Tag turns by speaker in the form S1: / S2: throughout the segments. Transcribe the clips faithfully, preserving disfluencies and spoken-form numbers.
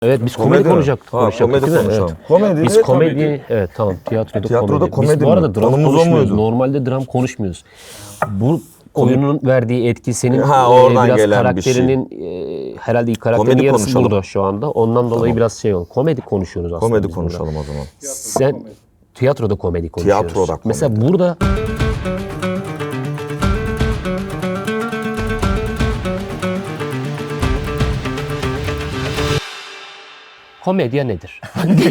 S1: Evet biz komedi,
S2: Komedi mi?
S1: konuşacaktık.
S2: Ha,
S1: konuşacaktık,
S2: komedi
S1: değil mi?
S2: konuşalım.
S1: Evet.
S2: Komedi
S1: Biz
S2: de
S1: komedi,
S2: komedi.
S1: evet tamam tiyatroda,
S2: Tiyatroda
S1: komedi.
S2: komedi
S1: Biz bu
S2: mi?
S1: arada dram
S2: Konumuz o
S1: konuşmuyoruz.
S2: muydu?
S1: Normalde dram konuşmuyoruz. Bu oyunun verdiği etki senin
S2: Ha,
S1: e,
S2: oradan
S1: biraz
S2: gelen bir şey.
S1: karakterinin e, herhalde karakterin
S2: Komedi
S1: yarısı
S2: konuşalım.
S1: burada şu anda. Ondan dolayı
S2: Tamam.
S1: biraz şey oldu. Komedi konuşuyoruz aslında
S2: Komedi
S1: biz
S2: konuşalım o zaman.
S1: burada. Sen tiyatroda komedi konuşuyoruz.
S2: Tiyatroda komedi.
S1: Mesela burada komedya nedir?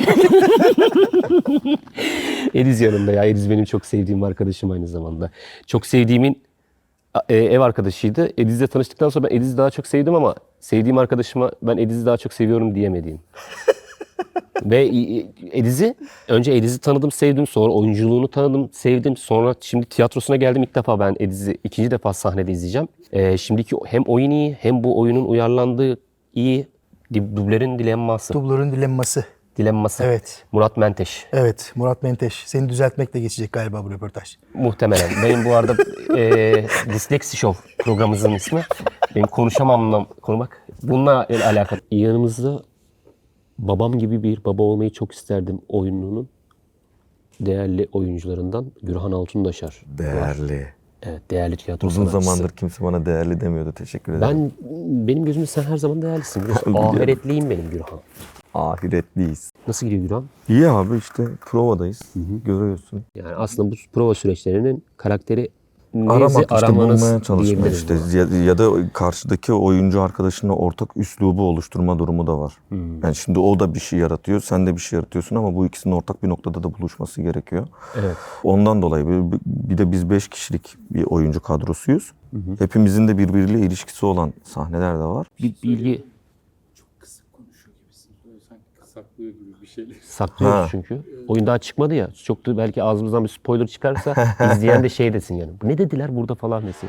S1: Ediz yanımda ya. Ediz benim çok sevdiğim arkadaşım aynı zamanda. Çok sevdiğimin e, ev arkadaşıydı. Ediz'le tanıştıktan sonra ben Ediz'i daha çok sevdim ama sevdiğim arkadaşıma ben Ediz'i daha çok seviyorum diyemediğim. Ve e, Ediz'i, önce Ediz'i tanıdım, sevdim. Sonra oyunculuğunu tanıdım, sevdim. Sonra şimdi tiyatrosuna geldim ilk defa ben Ediz'i ikinci defa sahnede izleyeceğim. E, şimdiki hem oyun iyi hem bu oyunun uyarlandığı iyi. Dublerin dilemması.
S3: Dublerin dilemması.
S1: Dilemması.
S3: Evet.
S1: Murat Menteş.
S3: Evet, Murat Menteş. Seni düzeltmekle geçecek galiba bu röportaj.
S1: Muhtemelen. Benim bu arada e, Disleksi Show programımızın ismi. Benim konuşamamla konuşmak. Bununla alakalı. Yanımızda babam gibi bir baba olmayı çok isterdim oyununun değerli oyuncularından Gürhan Altundaşar.
S2: Değerli.
S1: Evet, değerli tiyatro
S2: Uzun
S1: sanatçısı.
S2: zamandır kimse bana değerli demiyordu. Teşekkür ederim.
S1: Ben, benim gözümde sen her zaman değerlisin. Biliyorsun.
S2: Biliyorum.
S1: Ahiretliyim benim Gürhan.
S2: Ahiretliyiz.
S1: Nasıl gidiyor Gürhan?
S2: İyi abi işte provadayız. Görüyorsun.
S1: Yani aslında bu prova süreçlerinin karakteri
S2: Aramak
S1: neyse
S2: işte
S1: aramanız
S2: bulmaya çalışmak
S1: diyebiliriz
S2: işte
S1: buna.
S2: ya, ya da karşıdaki oyuncu arkadaşınla ortak üslubu oluşturma durumu da var.
S1: Hmm.
S2: Yani şimdi o da bir şey yaratıyor, sen de bir şey yaratıyorsun ama bu ikisinin ortak bir noktada da buluşması gerekiyor.
S1: Evet.
S2: Ondan dolayı bir, bir de biz beş kişilik bir oyuncu kadrosuyuz. Hepimizin de birbiriyle ilişkisi olan sahneler de var.
S1: Bir bilgi
S4: Kısık konuşuyor gibisin. Böyle sanki saklıyor gibi bir şeyler.
S1: saklıyoruz
S2: Ha.
S1: çünkü. Oyun daha çıkmadı ya. Çok da belki ağzımızdan bir spoiler çıkarsa izleyen de şey desin yani. Ne dediler burada falan desin.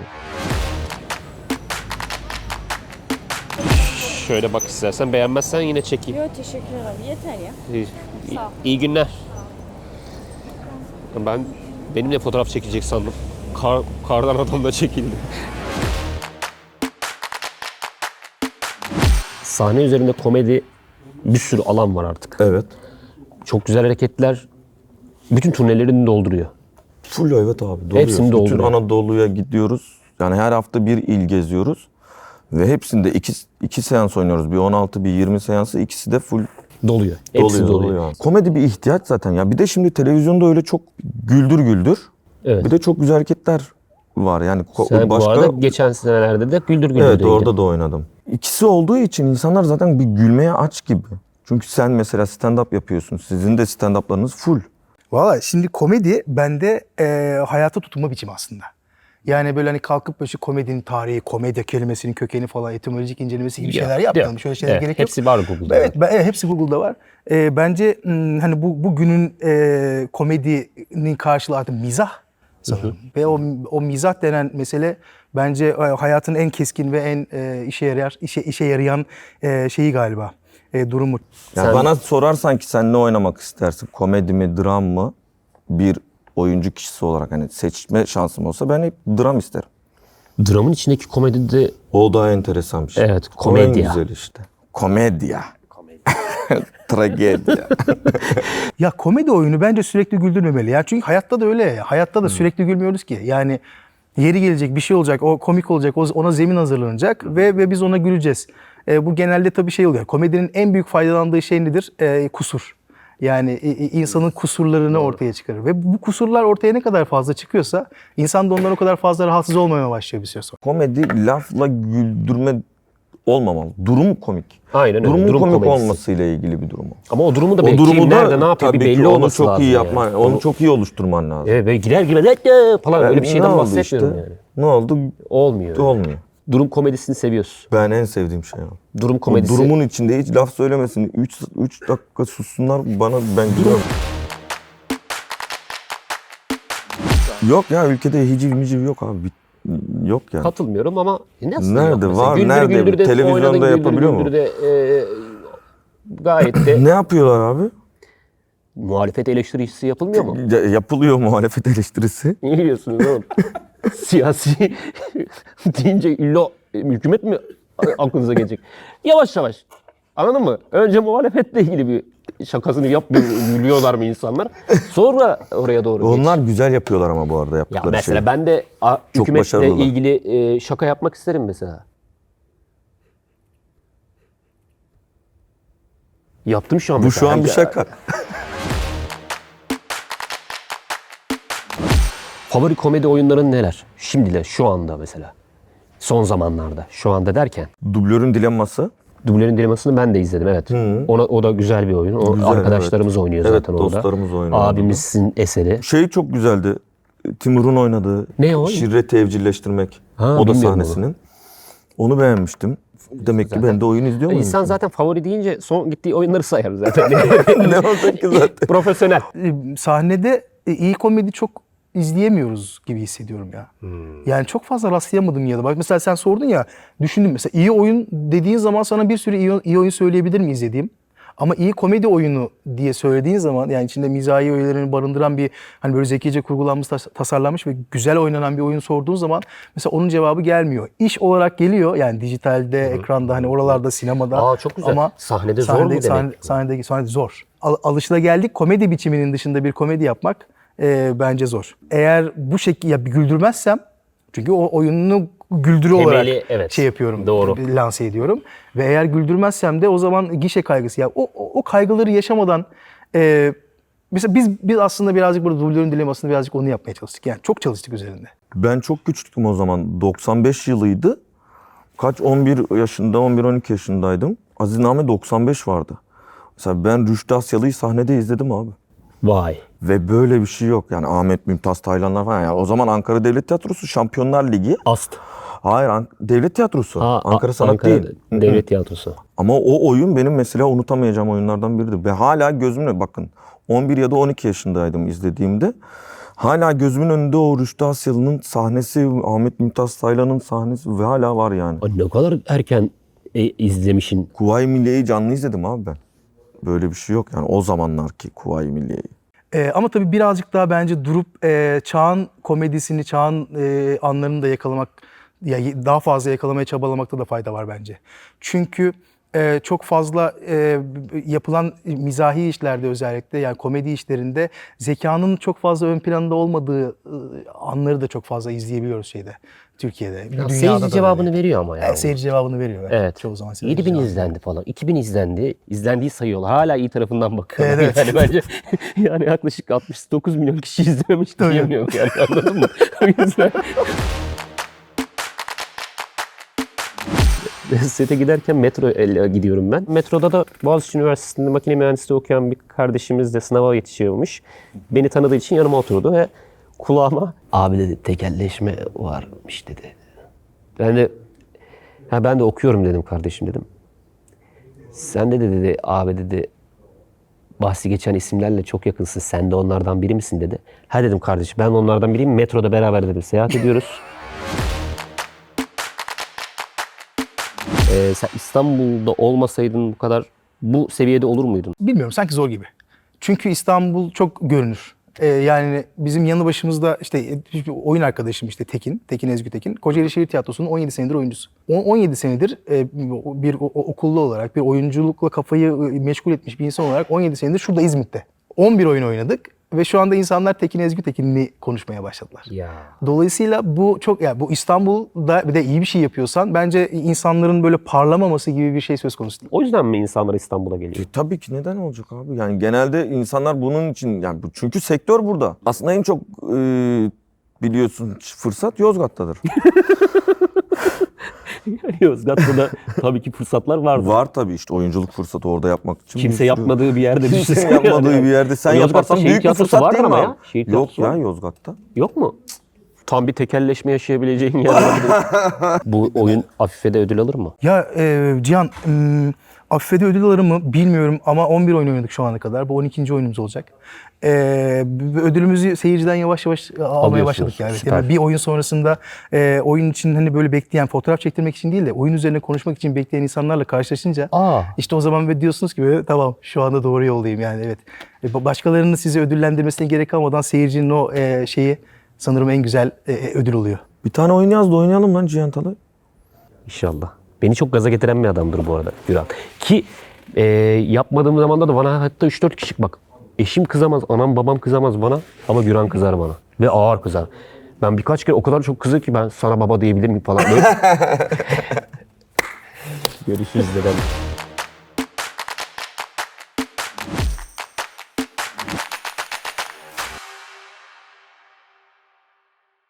S1: Şöyle bak istersen, beğenmezsen yine çekeyim.
S5: Yok teşekkür ederim. Yeter ya.
S1: İyi, iyi,
S5: Sağ ol.
S1: iyi günler. Ben benimle fotoğraf çekilecek sandım. Kar, kardan adam da çekildi. Sahne üzerinde komedi bir sürü alan var artık.
S2: Evet.
S1: Çok güzel hareketler bütün turnelerini dolduruyor.
S2: Full evet abi. Doluyor.
S1: Hepsini
S2: Bütün
S1: dolduruyor.
S2: Anadolu'ya gidiyoruz. Yani her hafta bir il geziyoruz. Ve hepsinde iki, iki seans oynuyoruz. Bir on altı, bir yirmi seansı. İkisi de full
S1: Doluyor. Hepsi
S2: doluyor.
S1: doluyor.
S2: doluyor. Komedi bir ihtiyaç zaten ya. Bir de şimdi televizyonda öyle çok güldür güldür.
S1: Evet.
S2: Bir de çok güzel hareketler var. Yani ko-
S1: Sen
S2: başka...
S1: bu arada geçen senelerde de Güldür Güldür'deydi.
S2: Evet orada da oynadım. İkisi olduğu için insanlar zaten bir gülmeye aç gibi. Çünkü sen mesela stand-up yapıyorsun. Sizin de stand-up'larınız full.
S3: Valla şimdi komedi bende e, hayata tutunma biçimi aslında. Yani böyle hani kalkıp böyle şu komedinin tarihi, komedya kelimesinin kökeni falan, etimolojik incelemesi gibi
S1: Yok,
S3: şeyler yapmayalım.
S1: yok.
S3: Şöyle şeyler
S1: Evet,
S3: gerek yok.
S1: hepsi var Google'da.
S3: Evet, ben, evet hepsi Google'da var. E, bence m, hani bu bugünün e, komedinin karşılığı artık mizah sanırım. Ve o o mizah denen mesele bence e, hayatın en keskin ve en e, işe yarar işe işe yarayan e, şeyi galiba. E, durumu.
S2: Yani
S1: Sen-
S2: bana sorarsan ki sen ne oynamak istersin? Komedi mi, dram mı? Bir oyuncu kişisi olarak hani seçme şansım olsa ben hep dram isterim.
S1: Dramın içindeki komedi de
S2: O da enteresan bir şey.
S1: Evet,
S2: O
S1: komedya.
S2: en güzel işte. Komedya. Tragedya.
S3: Ya komedi oyunu bence sürekli güldürmemeli ya. Çünkü hayatta da öyle ya. Hayatta da sürekli gülmüyoruz ki. Yani yeri gelecek, bir şey olacak, o komik olacak, o- ona zemin hazırlanacak ve ve biz ona güleceğiz. E, bu genelde tabii şey oluyor. Komedinin en büyük faydalandığı şey nedir? E, kusur. Yani i- i- insanın kusurlarını ortaya çıkarır. Ve bu kusurlar ortaya ne kadar fazla çıkıyorsa insan da ondan o kadar fazla rahatsız olmamaya başlıyor bir süre sonra.
S2: Komedi lafla güldürme olmamalı. Durum komik.
S1: Aynen öyle,
S2: Durumun
S1: durum
S2: komik
S1: komedisi.
S2: olmasıyla ilgili bir durum o.
S1: ama o durumu da
S2: O
S1: belki
S2: durumu da
S1: nerede ne yapıyor bir
S2: tabii ki
S1: belli
S2: onu
S1: olması
S2: çok
S1: lazım
S2: iyi
S1: yani.
S2: yapman, onu çok iyi oluşturman lazım.
S1: Evet, böyle girer gibi "Dede!" falan öyle bir
S2: Ne
S1: şeyden
S2: oldu
S1: bahsetmiyorum
S2: işte?
S1: yani.
S2: Ne oldu?
S1: Olmuyor.
S2: Olmuyor.
S1: Durum komedisini seviyorsun.
S2: Ben en sevdiğim şey o.
S1: Durum
S2: O
S1: komedisi.
S2: durumun içinde hiç laf söylemesin. üç dakika sussunlar bana ben gülüyorum. Yok ya ülkede hiciv miciv yok abi. Bit- Yok yani.
S1: Katılmıyorum ama nasıl
S2: Nerede
S1: yok mesela?
S2: var,
S1: Güldür
S2: nerede?
S1: Güldür'de
S2: Televizyonda
S1: oynadın, Güldür
S2: yapabiliyor mu?
S1: Güldür'de, e, gayet de
S2: Ne yapıyorlar abi?
S1: muhalefet eleştirisi yapılmıyor mu?
S2: Ya- yapılıyor muhalefet eleştirisi.
S1: Ne diyorsunuz oğlum? Siyasi deyince illa hükümet mi aklınıza gelecek? Yavaş yavaş. Anladın mı? Önce muhalefetle ilgili bir şakasını yap, gülüyorlar mı insanlar? Sonra oraya doğru geç.
S2: Onlar güzel yapıyorlar ama bu arada
S1: Ya
S2: yaptıkları
S1: mesela
S2: şeyi.
S1: ben de a,
S2: Çok
S1: hükümetle
S2: başarılılar.
S1: ilgili e, şaka yapmak isterim mesela. Yaptım şu an
S2: Bu
S1: mesela.
S2: şu an bir
S1: Hani-
S2: şaka.
S1: Favori komedi oyunların neler? Şimdiler, şu anda mesela. Son zamanlarda. Şu anda derken.
S2: Dublörün dilemması.
S1: Dublörün Dileması'nı ben de izledim, evet. Ona, o da güzel bir oyun. O
S2: Güzel,
S1: arkadaşlarımız oynuyor
S2: Evet,
S1: zaten orada.
S2: dostlarımız oynuyor
S1: Abimizin eseri.
S2: Şey çok güzeldi. Timur'un oynadığı
S1: Ne o?
S2: Şirreti evcilleştirmek.
S1: Ha,
S2: o da
S1: bilmiyorum
S2: sahnesinin. Onu beğenmiştim. Demek ki ben de oyun izliyor muyum?
S1: İnsan zaten favori deyince son gittiği oyunları sayar zaten.
S2: Ne olacak ki zaten?
S1: Profesyonel.
S3: E, Sahnede e, iyi komedi çok izleyemiyoruz gibi hissediyorum ya. Yani çok fazla rastlayamadım ya da. Bak mesela sen sordun ya, düşündüm mesela iyi oyun dediğin zaman sana bir sürü iyi, iyi oyun söyleyebilir mi izlediğim? Ama iyi komedi oyunu diye söylediğin zaman, yani içinde mizahi öğelerini barındıran bir, hani böyle zekice kurgulanmış, tas- tasarlanmış ve güzel oynanan bir oyun sorduğun zaman mesela onun cevabı gelmiyor. İş olarak geliyor yani dijitalde, ekranda, hani oralarda, sinemada.
S1: Aa, çok güzel.
S3: Ama
S1: Sahnede zor mu demek?
S3: Sahne, sahnede, sahnede zor. Al, alışılageldik komedi biçiminin dışında bir komedi yapmak e, bence zor. Eğer bu şekilde ya bir güldürmezsem, çünkü o oyununu güldürü
S1: Temeli,
S3: olarak
S1: evet.
S3: şey yapıyorum,
S1: Doğru.
S3: lanse ediyorum. Ve eğer güldürmezsem de o zaman gişe kaygısı. Ya o, o, o kaygıları yaşamadan e, mesela biz biz aslında birazcık burada dublörün dilemasını birazcık onu yapmaya çalıştık. Yani çok çalıştık üzerinde.
S2: Ben çok küçüktüm o zaman. doksan beş yılıydı. Kaç? on bir yaşında, on bir on iki yaşındaydım. Azizname doksan beş vardı. Mesela ben Rüştü Asyalı'yı sahnede izledim abi.
S1: Vay.
S2: Ve böyle bir şey yok. Yani Ahmet Mümtaz Taylanlar falan. Yani o zaman Ankara Devlet Tiyatrosu Şampiyonlar Ligi.
S1: Ast.
S2: Hayır, An- Devlet Tiyatrosu.
S1: Ha,
S2: Ankara Sanat
S1: Ankara
S2: değil.
S1: Devlet Tiyatrosu.
S2: Ama o oyun benim mesela unutamayacağım oyunlardan biridir. Ve hala gözümle bakın on bir ya da on iki yaşındaydım izlediğimde. Hala gözümün önünde o Rüştü Asyalı'nın sahnesi, Ahmet Mümtaz Taylan'ın sahnesi ve hala var yani.
S1: Ay, ne kadar erken e, izlemişin.
S2: Kuvayi Milliye'yi canlı izledim abi ben. Böyle bir şey yok yani o zamanlarki Kuvayi Milliye'yi.
S3: Ee, ama tabii birazcık daha bence durup e, çağın komedisini, çağın e, anlarını da yakalamak, ya daha fazla yakalamaya çabalamakta da fayda var bence. Çünkü e, çok fazla e, yapılan mizahi işlerde, özellikle yani komedi işlerinde zekanın çok fazla ön planda olmadığı e, anları da çok fazla izleyebiliyoruz şeyde, Türkiye'de.
S1: Ya,
S3: Dünyada
S1: seyirci
S3: da
S1: cevabını
S3: öyle.
S1: veriyor ama ya.
S3: Evet, seyirci cevabını veriyor.
S1: Evet.
S3: Çoğu zaman seyirci
S1: yedi bin
S3: cevabını
S1: izlendi falan. iki bin izlendi. İzlendiği sayıyorlar. Hala iyi tarafından bakıyorlar.
S3: Evet.
S1: Yani bence yani yaklaşık altmış dokuz milyon kişi izlememiş
S3: Tabii.
S1: diyemiyorum yani, anladın mı? O yüzden sete giderken metro ile gidiyorum ben. Metroda da Boğaziçi Üniversitesi'nde makine mühendisliği okuyan bir kardeşimiz de sınava yetişiyormuş. Beni tanıdığı için yanıma oturdu ve kulağıma abi dedi tekelleşme varmış dedi. Ben de ha ben de okuyorum dedim kardeşim dedim. Sen de dedi abi dedi bahsi geçen isimlerle çok yakınsın. Sen de onlardan biri misin dedi. Ha dedim kardeşim ben onlardan biriyim. Metroda beraber dedim seyahat ediyoruz. Ee, sen İstanbul'da olmasaydın bu kadar bu seviyede olur muydun?
S3: Bilmiyorum, sanki zor gibi. Çünkü İstanbul çok görünür. Ee, yani bizim yanı başımızda işte e, oyun arkadaşım işte Tekin, Tekin Ezgü Tekin. Kocaeli Şehir Tiyatrosu'nun on yedi senedir oyuncusu. on- 17 senedir e, bir o- o- okullu olarak, bir oyunculukla kafayı e, meşgul etmiş bir insan olarak on yedi senedir şurada İzmit'te. on bir oyun oynadık ve şu anda insanlar Tekin Ezgü Tekin'i konuşmaya başladılar.
S1: Ya.
S3: Dolayısıyla bu çok, yani bu İstanbul'da bir de iyi bir şey yapıyorsan bence insanların böyle parlamaması gibi bir şey söz konusu değil.
S1: O yüzden mi insanlar İstanbul'a geliyor?
S2: E, tabii ki neden olacak abi? Yani genelde insanlar bunun için yani bu- çünkü sektör burada. Aslında en çok e, biliyorsun fırsat Yozgat'tadır.
S1: Yani Yozgat'ta da tabii ki fırsatlar vardı.
S2: Var tabii işte oyunculuk fırsatı orada yapmak için.
S1: Kimse
S2: bir sürü-
S1: yapmadığı bir yerde
S2: Kimsenin
S1: düşünsene
S2: yapmadığı
S1: yani.
S2: bir yerde sen
S1: Yozgat'ta
S2: yaparsan
S1: şehir
S2: büyük bir
S1: tiyatrosu
S2: fırsat
S1: vardır
S2: değil mi
S1: ama
S2: abi?
S1: ya. Şehir
S2: Yok
S1: tiyatrosu
S2: ya
S1: var.
S2: Yozgat'ta.
S1: Yok mu? Tam bir tekelleşme yaşayabileceğin yer var. Bu oyun Afife'de ödül alır mı?
S3: Ya e, Cihan, m, Afife'de ödül alır mı bilmiyorum ama on bir oyun oynadık şu ana kadar. Bu on ikinci oyunumuz olacak. E, b- ödülümüzü seyirciden yavaş yavaş e, almaya
S1: Alıyorsunuz,
S3: başladık yani.
S1: süper.
S3: Yani bir oyun sonrasında e, oyun için hani böyle bekleyen, fotoğraf çektirmek için değil de oyun üzerine konuşmak için bekleyen insanlarla karşılaşınca
S1: Aa.
S3: işte o zaman ve diyorsunuz ki böyle, tamam şu anda doğru yoldayım yani, evet. E, ba- başkalarının sizi ödüllendirmesine gerek kalmadan seyircinin o e, şeyi sanırım en güzel e, ödül oluyor.
S2: Bir tane oyun yaz da oynayalım lan Cihan Talay.
S1: İnşallah. Beni çok gaza getiren bir adamdır bu arada Güran. Ki e, yapmadığım zamanda da bana hatta üç dört kişi bak eşim kızamaz, anam babam kızamaz bana ama Güran kızar bana. Ve ağır kızar. Ben birkaç kere o kadar çok kızıyor ki ben sana baba diyebilir miyim falan. Böyle. Görüşürüz dedem.